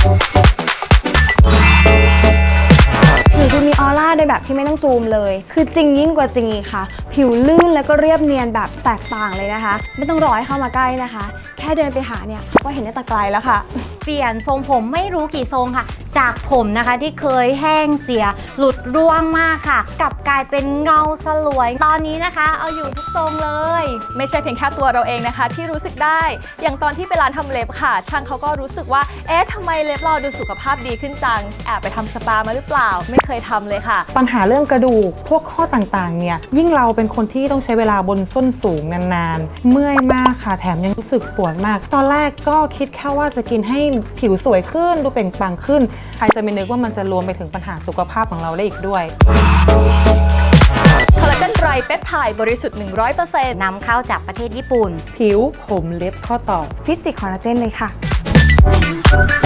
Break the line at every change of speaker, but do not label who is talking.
ผิวจะมีออร่าโดยแบบที่ไม่ต้องซูมเลยคือจริงยิ่งกว่าจริงอีกค่ะผิวลื่นแล้วก็เรียบเนียนแบบแตกต่างเลยนะคะไม่ต้องรอให้เข้ามาใกล้นะคะแค่เดินไปหาเนี่ยเขาก็เห็นได้แต่ไกลแล้วค่ะ
เปลี่ยนทรงผมไม่รู้กี่ทรงค่ะจากผมนะคะที่เคยแห้งเสียหลุดร่วงมากค่ะกลับกลายเป็นเงาสลวยตอนนี้นะคะเอาอยู่ทุกทรงเลย
ไม่ใช่เพียงแค่ตัวเราเองนะคะที่รู้สึกได้อย่างตอนที่ไปร้านทำเล็บค่ะช่างเขาก็รู้สึกว่าเอ๊ะทำไมเล็บเราดูสุขภาพดีขึ้นจังแอบไปทำสปามาหรือเปล่าไม่เคยทำเลยค่ะ
ปัญหาเรื่องกระดูกพวกข้อต่างๆเนี่ยยิ่งเราเป็นคนที่ต้องใช้เวลาบนส้นสูงนานๆเมื่อยมากค่ะแถมยังรู้สึกปวดมากตอนแรกก็คิดแค่ว่าจะกินให้ผิวสวยขึ้นดูเปล่งปลั่งขึ้นใครจะไม่นึกว่ามันจะรวมไปถึงปัญหาสุขภาพของเราได้อีกด้วย
คอลลาเจนไรเปปไทด์บริสุทธิ์ 100%
นำเข้าจากประเทศญี่ปุ่น
ผิวผมเล็บข้อต่อ
ฟิจิคอลลาเจนเลยค่ะ